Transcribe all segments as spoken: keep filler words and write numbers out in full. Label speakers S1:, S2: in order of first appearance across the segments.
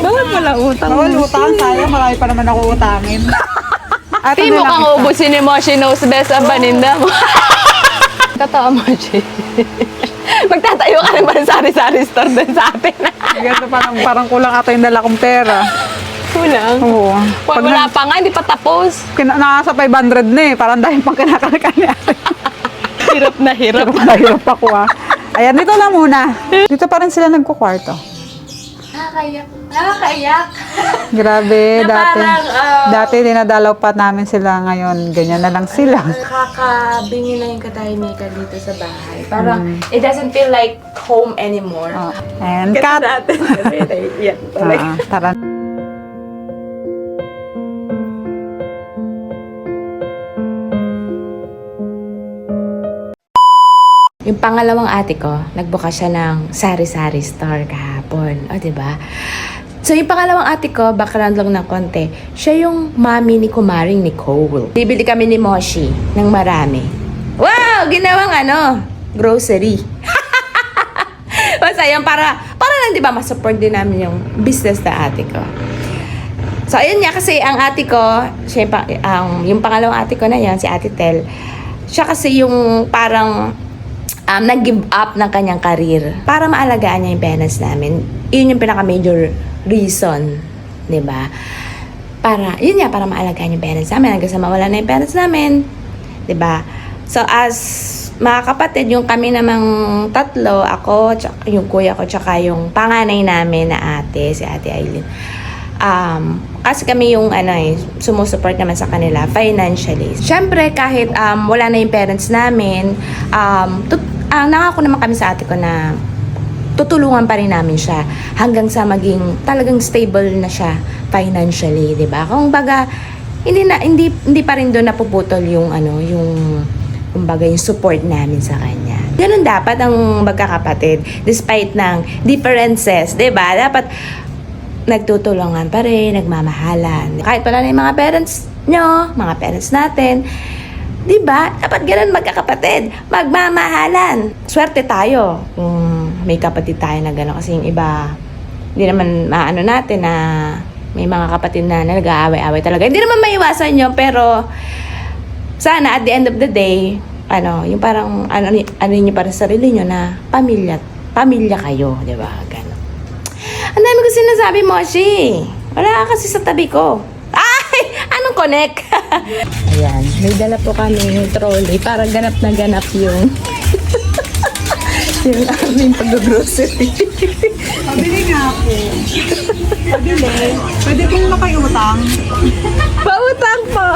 S1: Bawal pala utang.
S2: Bawal utang, sayang. Marami pa naman ako utangin. At
S1: Di
S2: ano
S1: mo
S2: lang
S1: kang
S2: isa?
S1: ubusin ni Moshi knows best ang baninda mo. Totoo, Moshi. Magtatayo ka naman sa sari-sari store din sa atin.
S2: Ganito parang, parang kulang ata yung dala kong pera.
S1: Kulang.
S2: Oo.
S1: Wala, wala pa nga, hindi pa tapos.
S2: Kina, nakasa five hundred na eh. Parang dahil pang kinakalkan niya.
S1: Hirap na hirap.
S2: Hirap na hirap ako ah. Ayan, dito lang muna. Dito pa rin sila nagkukwarto.
S3: Nakakaiyak. Nakakaiyak.
S2: Grabe,
S3: Na
S2: dati.
S3: parang, ah,
S2: dati dinadalaw pa namin sila ngayon. Ganyan na lang sila.
S3: Nakakabingi na yung katahimikan dito sa bahay. Parang, it doesn't feel like home anymore.
S2: Oh. And cut.
S3: natin. Yan,
S2: Ah, tara.
S3: Yung pangalawang ate ko, nagbukas siya ng sari-sari store kahapon. O, diba? So, yung pangalawang ate ko, background lang ng konti, siya yung mami ni Kumaring Nicole. Bibili kami ni Moshi ng marami. Wow! Ginawang ano? Grocery. Basta yan, para, para lang, di ba, masupport din namin yung business na ate ko. So, ayun nga, kasi ang ate ko, siya yung, pa- ang, yung pangalawang ate ko na yan, si Ate Tel, siya kasi yung parang um, nag-give up ng kanyang career para maalagaan niya yung parents namin. Yun yung pinaka-major reason, di ba? Para, yun nga, para maalagaan yung parents namin. Hanggang sa mawala na yung parents namin, di ba? So, as mga kapatid, yung kami namang tatlo, ako, tsaka, yung kuya ko, tsaka yung panganay namin na ate, si Ate Aileen. Um, kasi kami yung ano eh, sumusupport naman sa kanila financially. Siyempre, kahit um, wala na yung parents namin, um, tut- uh, nangako naman kami sa ate ko na tutulungan pa rin namin siya hanggang sa maging talagang stable na siya financially, 'di ba? Kung baga hindi na hindi hindi pa rin doon napuputol yung ano, yung kumbaga yung support namin sa kanya. Ganun dapat ang magkakapatid despite ng differences, 'di ba? Dapat nagtutulungan pa rin, nagmamahalan. Kahit wala na yung mga parents nyo, mga parents natin, di ba? Dapat ganun magkakapatid, magmamahalan. Swerte tayo kung may kapatid tayo na gano'n. Kasi yung iba, hindi naman maano natin na may mga kapatid na nag-aaway-aaway talaga. Hindi naman maiwasan yun, pero sana at the end of the day, ano, yung parang, ano, ano nyo para sa sarili nyo na pamilya, pamilya kayo, di ba? Ganun. Ang dami ko sinasabi, Moshi. Wala ka kasi sa tabi ko. Ay! Anong connect? Ayan. May dala po kami yung trolley para ganap na ganap yung yung aming pag-grocery.
S2: Pabili nga ako. Pabili. Pwede kong makiutang.
S1: Pautang po!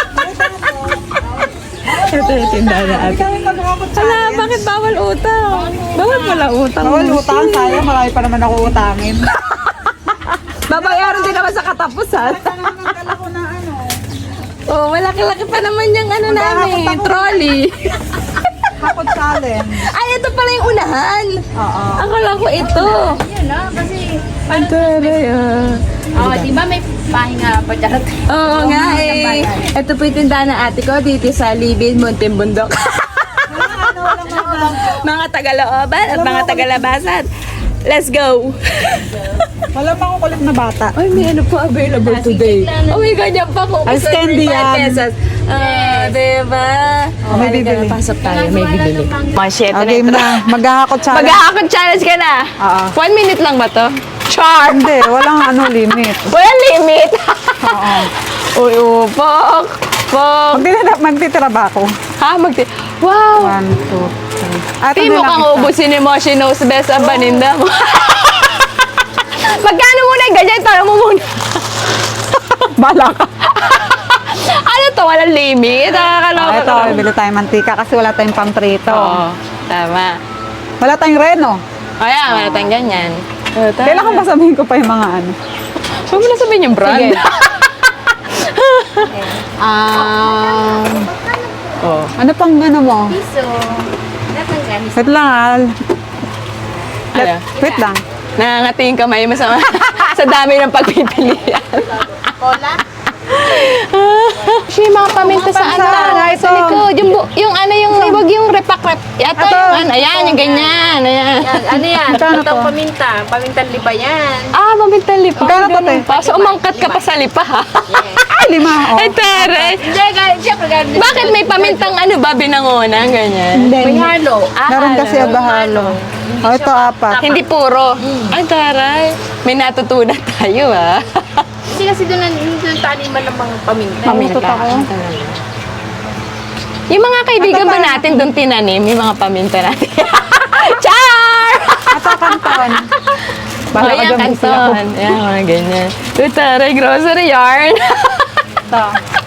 S1: Ito yung tindahan na ate. Wala, bakit bawal utang? Bawal pala utang.
S2: Bawal utang, sayang. Marami pa naman ako utangin.
S1: Babayaran din naman sa katapusan.
S2: Nagdala ko na ano.
S1: Oh, malaki-laki pa naman yung ano namin,
S2: Magkakapot ako.
S1: trolley.
S2: Hapon challenge.
S1: Ay, ito pala yung unahan.
S2: Oo.
S1: Akala ko ito.
S3: Yun no? Kasi,
S1: Ang taray ah.
S3: oh, di ba may pahinga pa charot?
S1: Oo nga eh. Ito po yung tindahan ng ate ko dito sa Libin, Muntinbundok. Mga Tagalooban at mga Tagalabasan. Let's go!
S2: Wala pa akong kulit na bata.
S1: Ay, may ano po available today. Oh my God, yan pa po.
S2: Ay, candy yan.
S1: pesos. Ah, diba?
S2: Oh, may bibili.
S1: Pasok tayo, may bibili. Mga
S2: Ah, game na. Maghahakot challenge.
S1: Mag-aakot challenge ka na.
S2: Oo.
S1: One minute lang ba to? Char!
S2: Hindi, walang ano limit.
S1: Walang limit.
S2: Oo.
S1: Uy, upok. Pok.
S2: Magtitira, magtitira ba ako?
S1: Ha? Magti... Wow!
S2: One, two, three. At
S1: Di mo kang ubusin ni Moshi knows best ang baninda mo. Magkano muna yung ganyan? Tara mo muna.
S2: Bala ka.
S1: Ano to? Walang limit? Nakakaloka.
S2: Ah, ito, bibili tayong mantika kasi wala tayong pamprito.
S1: Oo. Tama.
S2: Wala tayong reno.
S1: Kaya, wala tayong ganyan. Oh, tama.
S2: Kailangan ba sabihin ko pa yung mga ano?
S1: Huwag mo na sabihin yung brand.
S2: Sige. Um,
S1: Oh.
S2: ano pang ano mo?
S3: Piso. Dapat gamis.
S2: Wait lang ah.
S1: Ano?
S2: Wait lang.
S1: Nangangati yung kamay mo sa, sa dami ng pagpipilian.
S3: Cola?
S1: Siya yung mga paminta sa ano,
S2: paminta,
S1: sa
S2: ito.
S1: likod. Yung, bu- yung ano, yung, wag yung repak-rep. Ito
S2: Ito.
S1: yung ano, ayan, yung ganyan. Ayan.
S4: Yan, ano yan?
S2: Magkano
S4: Itong
S2: to?
S4: paminta. Pamintang liba yan.
S1: Ah, paminta lipa.
S2: Magkano to,
S1: Ganun
S2: te?
S1: pa. So, umangkat ka pa sa lipa, ha?
S2: Ay, lima. Oh.
S1: Ay, tere.
S4: Hindi, guys, siyempre, ganun.
S1: Bakit may pamintang ano ba, binangonan, ganyan?
S4: May halo.
S1: Ah,
S2: Meron
S1: halo.
S2: kasi abahalo. Oh, ito apat.
S1: Hindi puro. Ay, taray. May natutunan tayo, ah.
S4: Hindi kasi doon ang doon taniman ng mga paminta.
S2: Paminta ako.
S1: Yung mga kaibigan ba natin doon tinanim, yung mga paminta natin? Char!
S2: Ito kanton. Bala ka
S1: Ayan,
S2: dyan, busy ako.
S1: kanton. Ayan, mga ganyan. Uy, taray, grocery yarn.
S2: Ito.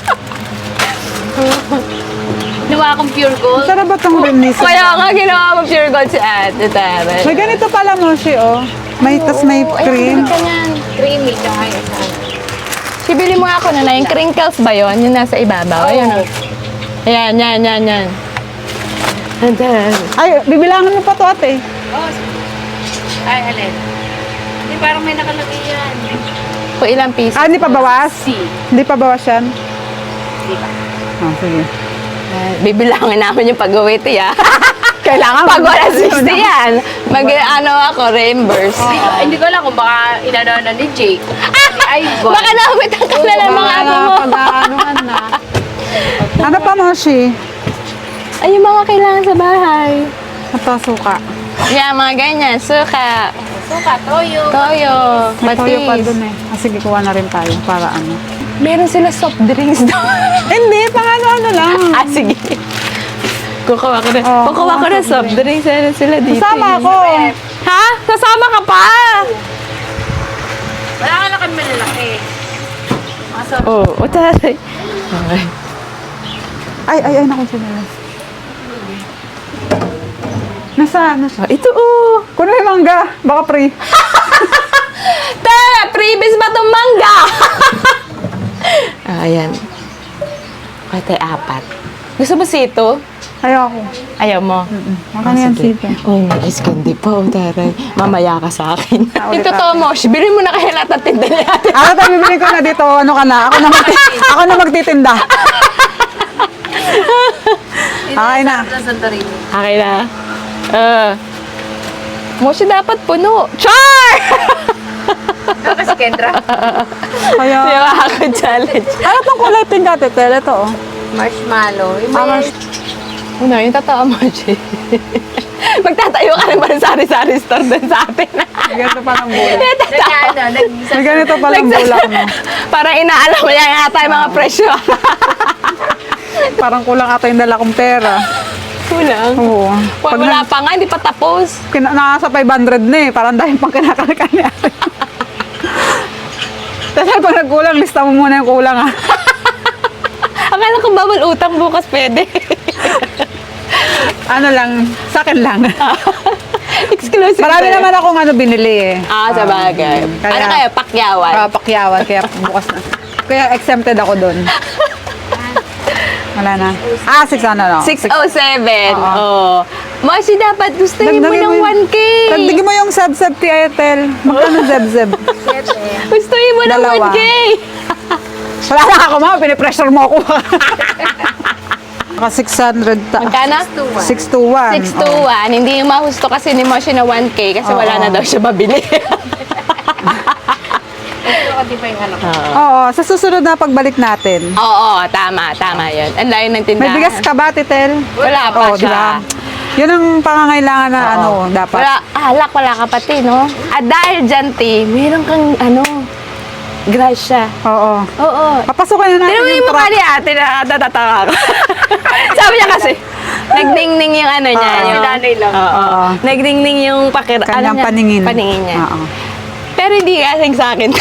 S4: Ginawa akong pure gold.
S2: Sarap ba itong release?
S1: Kaya nga, ginawa mo pure gold si ate, taray.
S2: May ganito pala mo siya, oh. May, tas may
S1: Oo,
S2: cream.
S1: Ayan, ka niyan.
S4: Creamy tsaka yung sa ano.
S1: Sibili mo ako na na, yung crinkles ba yun? Yung nasa ibabaw? Ayan, oh. Ayan, yan, yan, yan. Andan.
S2: Ay, bibilangan mo pa to, ate.
S4: Oh, ay, alin. Hindi, parang may nakalagay yan.
S1: Kung ilang piso.
S2: Ah, hindi pa bawas?
S4: C.
S2: Hindi pa bawas yan?
S4: Di ba?
S2: Ah, sige.
S1: Bibilangin namin yung pag-uwi, tiya.
S2: Kailangan.
S1: Pag wala sixty yan, mag, ano ako, reimburse.
S4: Hindi ko- Hindi ko alam kung baka inano na ni Jake. Ni Ivan.
S1: Baka nakapit ang kalala ng mga apo mo.
S2: Pag-aanuhan na. Ano pa mo, Shi?
S1: Ay, yung mga kailangan sa bahay.
S2: Ito, suka.
S1: Yan, mga ganyan. Suka,
S4: Suka, toyo.
S1: toyo,
S2: May toyo pa
S1: patis.
S2: dun eh. Ah, sige, kuha na rin tayo para ano.
S1: Meron sila soft drinks doon.
S2: Hindi, pang ano-ano lang.
S1: ah, sige. Kukuha ko na.
S2: Oo,
S1: Kukuha ko na soft drinks. Meron sila dito.
S2: Kasama
S1: eh.
S2: ako.
S1: Ha? Sasama ka pa?
S4: Wala ka na kami malalaki. Maso.
S1: Oo, oh, utay. Okay.
S2: Ay, ay, ay, naku, sila. Nasa, nasa.
S1: Oh, ito, oh.
S2: Kuno yung mangga, baka free.
S1: Te, previous ba itong mangga? ah, ayan. Kate, apat. Gusto mo sito?
S2: Ayoko.
S1: Ayaw mo?
S2: Maka na yan, sito.
S1: Oh, may ice candy pa. Oh, taray. Mamaya ka sa akin.
S2: Ah, ulit
S1: Ito to mo. Bilhin mo na kaya lahat ng tinda niya.
S2: Ako tayo, bibili ko na dito. Ano ka na? Ako na, magti- ako na magtitinda. Okay na.
S4: Sa Santorini.
S1: Okay na. Uh, Moshi dapat puno. Char!
S4: Ikaw kasi Kendra.
S2: Kaya,
S1: Di ba ako challenge?
S2: ano tong kulay pink ate? Tel, ito oh.
S4: Marshmallow. Yung
S2: Ah,
S4: may...
S2: mas-
S1: Ano, yung totoo mo, Chi. Magtatayo ka ng mga sari-sari store doon sa atin.
S2: May ganito pa ng bulak.
S4: Nag, ano, nag,
S2: May ganito pa ng bulak mo.
S1: Parang inaalam mo yan ata yung mga presyo.
S2: Parang kulang ata yung dala kong pera.
S1: Kulang.
S2: Oo.
S1: Pag wala pa nga, hindi pa tapos.
S2: Kina- nasa five hundred na eh. Parang dahil pang kinakalakal ni ate. Tapos pag nagkulang, lista mo muna yung kulang ah.
S1: Akala ko bawal utang bukas pwede.
S2: Ano lang, sa akin lang.
S1: Exclusive.
S2: Marami
S1: to eh.
S2: naman akong ano binili eh.
S1: Ah, sa bagay.
S2: Kaya-
S1: ano kayo, pakyawan?
S2: Ah, pakyawan, kaya bukas na. Kaya exempted ako doon. Wala na. Ah, six ano no?
S1: six oh seven.
S2: Oo.
S1: Oh. Moshi, dapat gustuhin mo
S2: Dagdagin
S1: ng
S2: yung-
S1: one K.
S2: Dagdagin mo yung seb-seb ti Airtel. Magkano seb-seb?
S1: Gustuhin mo ng
S2: Dalawa.
S1: one K.
S2: Wala na ako ma, pinipressure mo ako. Naka six hundred ta.
S1: Magkano?
S2: six two one.
S1: six to one. Hindi yung mahusto kasi ni Moshi na one K kasi
S2: Oo.
S1: wala na daw siya mabili.
S4: Pero kasi pa yung anak ko.
S2: Oo, sa susunod na pagbalik natin.
S1: Oo, tama, tama yun. Ang layo ng
S2: May
S1: tindahan.
S2: bigas ka ba, Titel?
S1: Wala pa
S2: Oo,
S1: siya.
S2: diba? Yun ang pangangailangan na ano,
S1: Oo.
S2: dapat.
S1: Wala, alak, wala ka pati, no? At dahil dyan, Ti, meron kang, ano, grasya.
S2: Oo.
S1: Oo.
S2: Papasukin na natin
S1: Pero yung
S2: yung
S1: mukha
S2: truck.
S1: ni ate, nakatatawa ako. Sabi niya kasi, nagdingning yung ano niya.
S2: Oo.
S1: yung
S4: Nanay lang.
S1: Oo.
S2: Oo.
S1: Nagdingning yung pakir...
S2: Kanyang
S1: ano niya?
S2: paningin.
S1: Paningin niya.
S2: Oo.
S1: Pero hindi kasing sa akin.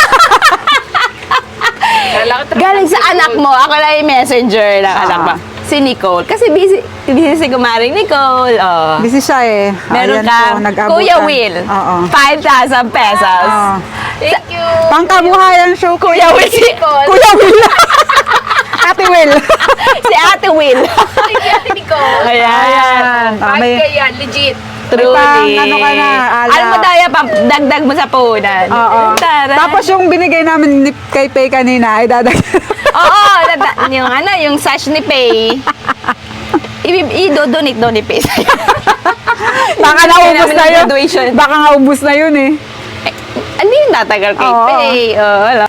S4: Kala ko tra-
S1: Galing sa anak mo. Ako lang yung messenger ng
S2: Ah.
S1: anak mo. Si Nicole. Kasi busy, busy si kumaring Nicole. Oh.
S2: Busy siya eh.
S1: Meron
S2: Ayan
S1: kang
S2: po, nag-abutan.
S1: Kuya Will.
S2: Oo.
S1: five thousand pesos.
S2: Oo.
S4: Thank you.
S2: Pangkabuhayan show.
S1: Kuya Will. Si,
S2: Kuya Will. Ate Will.
S1: si Ate Will.
S4: Thank you, Ate Nicole.
S1: Ayan.
S2: Ayan. Ah,
S4: Bakit
S2: may,
S4: kaya? Legit.
S1: Truly.
S2: pang ano ka na, ala.
S1: Alam mo tayo, pa, dagdag mo sa punan.
S2: Oo.
S1: Tara.
S2: Tapos yung binigay namin ni kay Pay kanina, ay dadag.
S1: Oo, dada- yung ano, yung sash ni Pay. I- I-donate daw ni Pay sa'yo.
S2: Baka
S1: Bibigyan
S2: naubos
S1: namin
S2: na
S1: ng
S2: yun.
S1: graduation.
S2: Baka naubos na yun eh.
S1: Ano yung tatagal kay
S2: Oo.
S1: Pay? Oo, wala.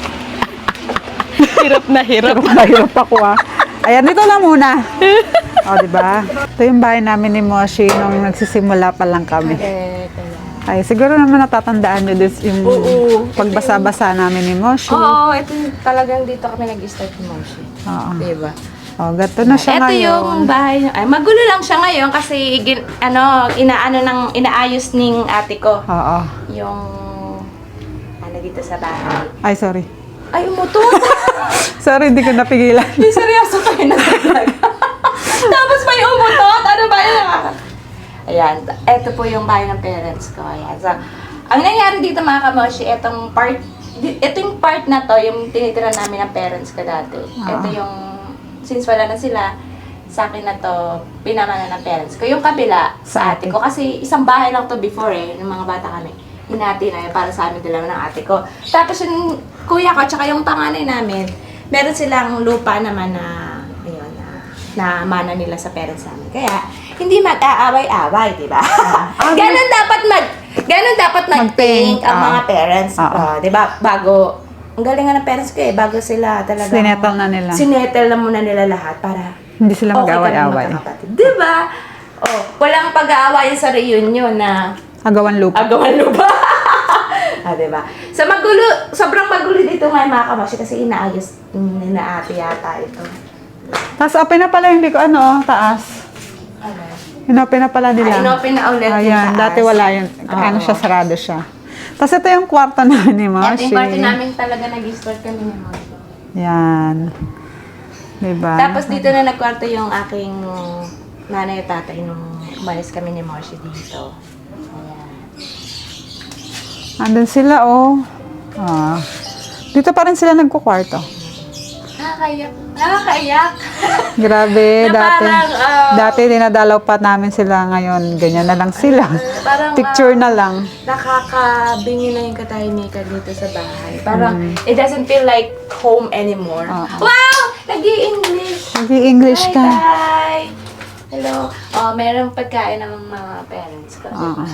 S1: Hirap na hirap.
S2: Hirap na hirap ako ah. Ayan, dito lang muna. O, di ba? Ito yung bahay namin ni Moshi nung nagsisimula pa lang kami. Ay, siguro naman natatandaan nyo this yung
S3: Oo.
S2: pagbasa-basa namin ni Moshi.
S3: Oo, ito yung talagang dito kami nag-start ni Moshi.
S2: Oo.
S3: Diba?
S2: O, gato na siya
S3: Ito
S2: ngayon.
S3: yung bahay. Ay, magulo lang siya ngayon kasi gin, ano, inaano ng inaayos ning ate ko.
S2: Oo.
S3: Yung ano dito sa bahay.
S2: Ay, sorry.
S3: Ay, umutot.
S2: Sorry, hindi ko napigilan.
S3: Ay, seryoso kayo na talaga. Tapos may umutot. Ano ba yun? Ayan, ito po yung bahay ng parents ko. Ayan. So, ang nangyari dito mga kamoshi, itong part, di- ito yung part na to, yung tinitira namin ng parents ko dati.
S2: Ah.
S3: Ito yung, since wala na sila, sa akin na to, pinamana ng parents ko. Yung kabila,
S2: Sa
S3: sa
S2: ate.
S3: ate ko. Kasi isang bahay lang to before eh, ng mga bata kami. Hinati na yun para sa amin dalawa ng ate ko. Tapos yung kuya ko, tsaka yung panganay namin, meron silang lupa naman na, ayun, na, na mana nila sa parents namin. Kaya, hindi mag-aaway-away, di ba? Ganon dapat mag, ganon dapat mag-think
S2: Mag-think,
S3: ang
S2: ah.
S3: mga parents.
S2: Ah, ah.
S3: Ah, di ba? Bago, ang galing nga ng parents ko eh, bago sila talaga.
S2: Sinettle na nila.
S3: Sinettle na muna nila lahat para
S2: Hindi sila
S3: okay kami
S2: mag-away-away.
S3: magkakapatid. Di ba? Oh, walang pag-aawayan sa reunion na
S2: Agawan lupa.
S3: agawan lupa. ah, diba? So, magulo, sobrang magulo dito ngayon mga kamoshi kasi inaayos ni na ate yata ito.
S2: Tapos open na pala, hindi ko ano, oh, taas.
S3: Ano?
S2: Inopen na pala nila.
S3: Ah, inopen na ulit yung
S2: Ayan,
S3: taas.
S2: dati wala yun. Ano
S3: Oo.
S2: siya, sarado siya. Tapos ito yung kwarto namin ni
S3: Ito
S2: Moshi.
S3: yung party namin talaga nag-start kami ni Moshi.
S2: Yan. Diba?
S3: Tapos dito na nagkwarto yung aking nanay at tatay nung umalis kami ni Moshi dito. Ayan.
S2: Andun sila, oh. Ah. Dito pa rin sila nagkukwarto.
S3: Nakakaiyak. Nakakaiyak.
S2: Grabe,
S3: Na
S2: dati.
S3: parang, ah,
S2: dati dinadalaw pa namin sila ngayon. Ganyan na lang sila.
S3: Parang,
S2: Picture
S3: ah,
S2: na lang.
S3: Nakakabingi na yung katahimikan dito sa bahay. Parang, it doesn't feel like home anymore.
S2: Oo.
S3: Wow! Nag-i-English!
S2: Nag-i-English
S3: Hi,
S2: ka.
S3: Tay! Hello. Oh, merong pagkain ng mga parents ko.
S2: Oo.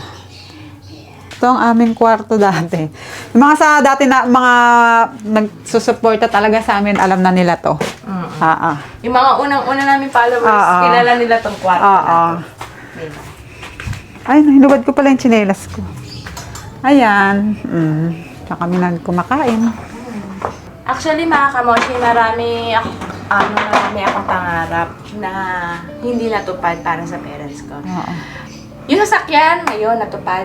S2: Ito ang aming kwarto dati. Yung mga sa dati na mga nagsusuporta talaga sa amin, alam na nila to.
S3: Mm.
S2: Ah, ah.
S3: Yung mga unang-una namin followers,
S2: Oo.
S3: kilala nila tong kwarto
S2: Oo.
S3: na to. Diba?
S2: Ay, hinubad ko pala yung tsinelas ko. Ayan. Mm. Saka kami nagkumakain.
S3: Actually, mga kamoshi, marami ako, ano, marami akong pangarap na hindi natupad para sa parents ko.
S2: Oo.
S3: Yung sasakyan, ngayon, natupad.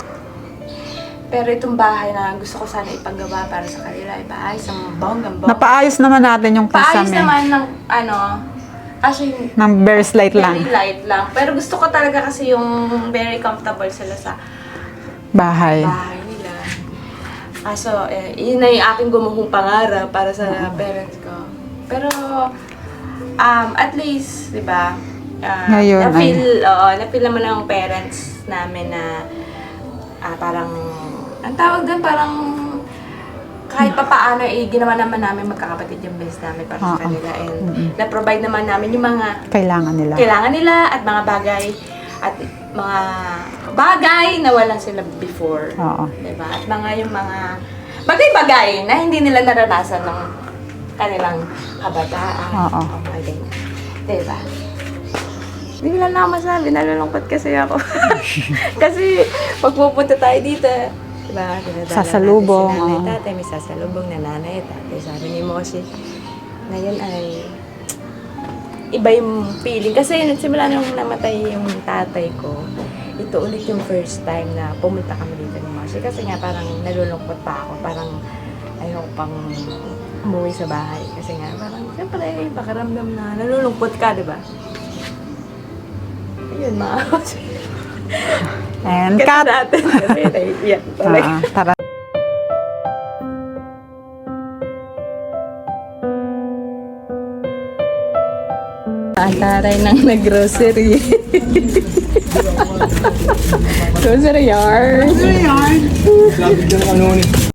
S3: Pero itong bahay na gusto ko sana ipagawa para sa kanila, ipaayos ang bonggang-bong.
S2: Napaayos naman natin yung
S3: Paayos
S2: kasama.
S3: naman ng, ano, actually,
S2: Ng bare slate lang.
S3: very light lang. Pero gusto ko talaga kasi yung very comfortable sila sa
S2: Bahay.
S3: bahay nila. Kaso, eh, yun na yung aking gumuhong pangarap para sa parents ko. Pero, um, at least, di ba, uh,
S2: Ngayon,
S3: na-feel, oo, na-feel naman ng parents namin na ah, parang, ang tawag doon, parang kahit pa paano, eh, ginawa naman namin magkakapatid yung best namin para sa
S2: Oo.
S3: kanila. And na-provide naman namin yung mga
S2: Kailangan nila.
S3: kailangan nila at mga bagay at mga bagay na wala sila before.
S2: Oo.
S3: Diba? At mga yung mga bagay-bagay na hindi nila naranasan ng kanilang kabataan.
S2: Oo.
S3: O mga ganyan. Diba? Hindi ko lang na masabi, nalulungkot kasi ako. Kasi pag pupunta tayo dito, diba? Dinadala
S2: Sasalubong,
S3: natin si nanay,
S2: oo.
S3: tatay, may sasalubong na nanay, tatay. Sabi ni Moshi, ngayon ay iba yung feeling. Kasi simula nung namatay yung tatay ko, ito ulit yung first time na pumunta kami dito ni Moshi. Kasi nga parang nalulungkot pa ako. Parang ayaw ko pang umuwi sa bahay. Kasi nga parang siyempre pakiramdam na nalulungkot ka, di ba? Ayun, mga
S2: And
S3: Kasi
S2: cut.
S3: natin. Kasi naiiyak talaga.
S2: Ah, tara.
S1: Ang taray ng nag-grocery. Grocery yard.
S2: Ano yan?